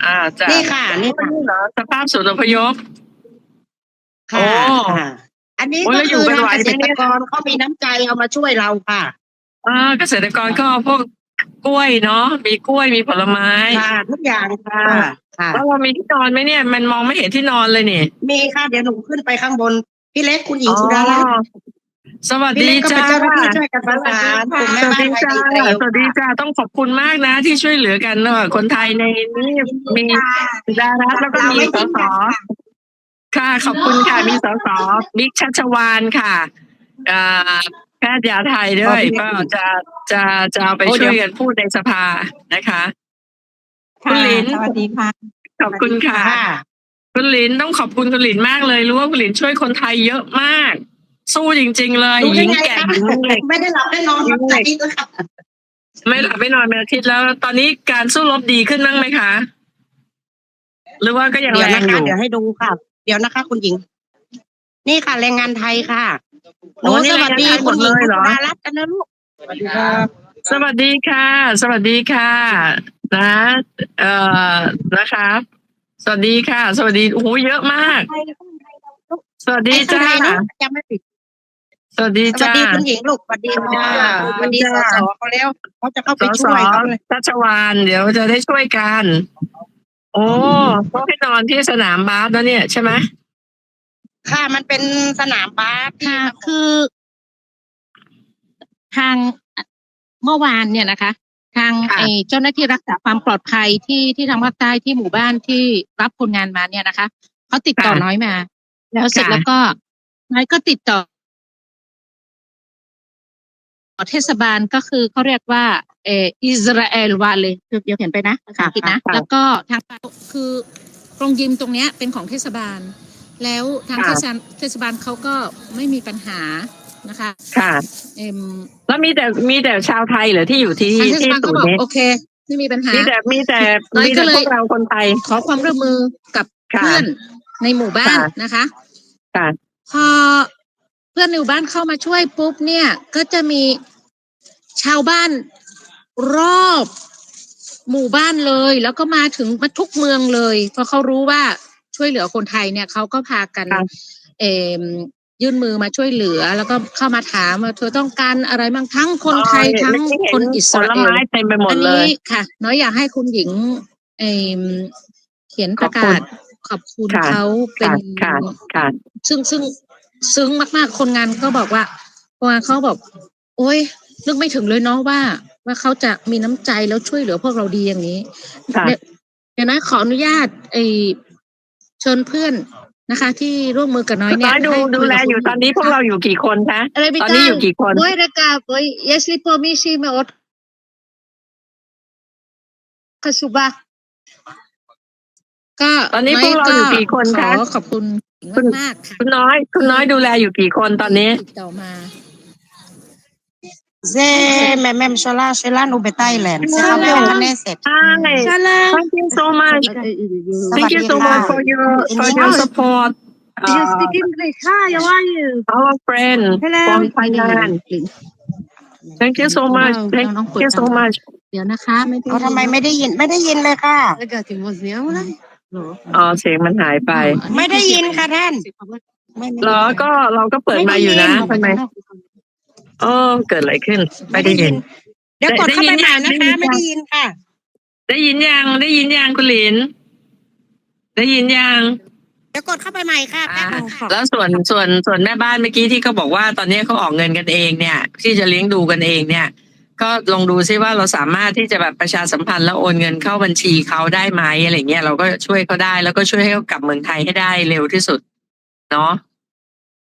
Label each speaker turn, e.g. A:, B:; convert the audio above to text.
A: จ้ะ
B: นี่ค่ะนี่ค่ะ
A: เหรอสภาพศูนย์อพยพ โอ้
B: ค่ะอันนี้
A: โอ้
B: ก็
A: แล้วอยู่
B: คือ
A: กัน
B: ทาง
A: ไหว
B: เก
A: ไหม
B: ษ
A: เนี่
B: ตร
A: ย
B: กรเขามีน้ำใจเอามาช่วยเราค่ะ
A: เกษตรกรก็เอาพวกกล้วยเนาะมีกล้วยมีผลไม้
B: ค่ะทุกอย่างค่ะค่ะ
A: แล้วเรามีที่นอนไหมเนี่ย มันมองไม่เห็นที่นอนเลยนี่
B: มีค่ะเดี๋ยวหนูขึ้นไปข้างบนพี่เล็กคุณหญิงสุดารัตน์
A: สวัส
B: พี่
A: ดี
B: เล็กก็เป็
A: จ้าน
B: เจ้าหน้าที่ช่วยกันประสานกลุ่มแม่
A: สวัส
B: บ้าน
A: ดี
B: ไทย
A: จ้า
B: อิสราเอล
A: สวัสดี
B: ค่ะ
A: จ้าต้องขอบคุณมากนะที่ช่วยเหลือกันเนอะคนไทยในนี่มีสุดารัตน์แล้วก็มีสสค่ะขอบคุณค่ะมีสสบิ๊กชัชวาลค่ะแพทย์ยาไทยด้วยก็จะเอาไปช่วยกันพูดในสภานะคะคุณหลิน
C: สวัสดีค่ะ
A: ขอบคุณค่ะ คุณหลินต้องขอบคุณคุณหลินมากเลยรู้ว่าคุณหลินช่วยคนไทยเยอะมาก สู้จริงๆเลย
B: รู้
A: ห
B: ได้
A: ญิง
B: ไง
A: แก่
B: คะ
A: หญิงเด็ก
B: ไม่ได้หลับได้นอนรับใจด้วยค่ะ
A: ไม่หลับไม่นอนเป็นอาทิตย์แล้ว ตอนนี้การสู้รบดีขึ้นบ้างไหมคะ หรือว่าก็ยัง
B: เดี๋ยว
A: แรง
B: นะ
A: อ
B: คะ
A: ยู่
B: เดี๋ยวให้ดูค่ะ เดี๋ยวนะคะ คุณหญิง นี่ค่ะแรงงานไทยค่ะหนู
A: นี่
B: สวัสดี
A: แรงงานไทยหม
B: คุ
A: ด
B: ณห
A: เล
B: ญิง
A: ยเหร
B: สุ
A: อ
B: ดารัตน์กันนะลูกสวัสดีครับ
A: สวัสดีค่ะ สวัสดีค่ะนะนะคะ สวัสดีค่ะ สวัสดีโอ้โหเยอะมาก สวัสดี
B: ไอ้ข้าง
A: จ้า
B: ในเนาะจำไม่ผิด
A: สวัสดี
B: สวัส
A: จ้า
B: ดีคุณหญิงลูกสวัสดีค่ะสวัสดีสสเขาแล้วเขาจะเข้า
A: ส
B: ไป
A: ส
B: ช่วยเขาเลย
A: ชัชวาลเดี๋ยวจะได้ช่วยกัน โอ้ต้องให้นอนที่สนามบาสแล้วเนี่ยใช่ไหม
B: ค่ะมันเป็นสนามบาสที่
C: ค่ะคือทางเมื่อวานเนี่ยนะคะ ทาง
A: ค่ะ
C: เจ้าหน้าที่รักษาความปลอดภัยที่ทางภาคใต้ที่หมู่บ้านที่รับคนงานมาเนี่ยนะคะเขาติดต่อ
A: ค่ะ
C: น้อยมา แล้วเสร็จ
A: ค่ะ
C: แล้วก็น้อยก็ติดต่อเทศบาลก็คือเขาเรียกว่าอิสราเอลวาเลยเดี๋ยวเขียนไปนะภาษาอังกฤษนะ
A: ค่ะ
C: แล้วก็ทางคือโรงยิมตรงเนี้ยเป็นของเทศบาล แล้วทาง
A: ค่ะ
C: เทศบาลเขาก็ไม่มีปัญหานะคะ
A: ค่ะ แล้วมีแต่ชาวไทยเหรอที่อยู่ที่
C: ทางเทศ
A: ที่
C: บาล
A: ศู
C: ก็
A: น
C: บ
A: ย์
C: อก
A: นี้
C: โอเคไม่มีปัญหา
A: มีแต่
C: น้อย
A: มี
C: ก็
A: แต่
C: เลย
A: พวกเราคนไทย
C: ขอความร่วมมือกับ
A: ค่ะ
C: เพื่อนในหมู่บ้าน
A: ค่ะ
C: นะคะ
A: ค่ะ
C: พอเพื่อนในหมู่บ้านเข้ามาช่วยปุ๊บเนี่ย ก็จะมีชาวบ้านรอบหมู่บ้านเลย แล้วก็มาถึงมาทุกเมืองเลยเพราะเขารู้ว่าช่วยเหลือคนไทยเนี่ยเขาก็พากัน
A: ค่ะ
C: ยื่นมือมาช่วยเหลือ แล้วก็เข้ามาถามว่าเธอต้องการอะไรบ้างทั้งคนไทย
A: เห็น
C: ทั้ง
A: เมื่อกี้เห็
C: คนอิส
A: ผ
C: รา
A: ล
C: เอล
A: ไม้เต็มไปหม
C: อั
A: ด
C: น
A: เล
C: นี้
A: ย
C: ค่ะ น้อยอยากให้คุณหญิงเขียนประกาศขอบคุณ
A: ค่ะ
C: เขาเป็น
A: ค่ะค่ะ
C: ซึ่งซึ้งมากๆคนงานก็บอกว่าคนงานเขาบอก โอ๊ยนึกไม่ถึงเลยเนาะว่าเขาจะมีน้ำใจแล้วช่วยเหลือพวกเราดีอย่างนี้
A: ค่ะ
C: เดี๋ยวนะขออนุญาตเชิญเพื่อนนะคะ ที่ร่วมมือกับน้อย
A: คุณ
C: เนี่
A: น้
C: ย
A: อยดู
C: ให้
A: ดู
C: คุย
A: แล
C: กับ
A: อยู่
C: คุณ
A: ตอนนี้พวกเราอยู่กี่คนคะ
C: อะไร
A: ตอนนี้อยู่กี่คน
C: Voi recapoi, jeśli pomyślimy o Kasuba ก็
A: ตอนนี้พวกเราอยู่กี่คน
C: ข
A: คะ
C: อขอบคุณมากๆค่ะ
A: คุณน้อยดูแลอยู่กี่คนตอนนี้
C: ติดต่อมา
B: זה מהממשלה שלנו בתאילנד, זה חבר כנסת.
A: Hi. Thank you so much. Thank you so much for your support.
D: You speak English. Hi, how are you?
A: Our friend
D: Hello.
A: from Thailand. Thank you so much. Thank you so much.
C: เดี๋ยวนะคะไม่ได้
B: เอาทำไมไม่ได้ยินเลยค่ะ
D: Ragazzi, mosniamola.
A: อ๋อเสียงมันหายไป
B: ไม่ได้ยินค่ะท่านไม่
A: เหรอก็เราก็เปิดมาอยู่นะทำไมเกิดอะไรขึ้น ไม่ได้ยิน
B: เดี๋ยวกดเข้าไปใหม่นะคะ
A: ได้ยินยัง
B: ไม่ได้ยินค่ะ
A: ได้ยินยังคุณหลิน ได้ยินยัง
B: เดี๋ยวกดเข้าไปใหม่ค่ะแป๊บนึงค่ะ
A: แล้วส่วนแม่บ้านเมื่อกี้ที่เขาบอกว่าตอนนี้เขาออกเงินกันเองเนี่ย ที่จะเลี้ยงดูกันเองเนี่ย ก็ลองดูซิว่าเราสามารถที่จะแบบประชาสัมพันธ์แล้วโอนเงินเข้าบัญชีเขาได้ไหมอะไรเงี้ยเราก็ช่วยเขาได้แล้วก็ช่วยให้เขากลับเมืองไทยให้ได้เร็วที่สุดเนาะ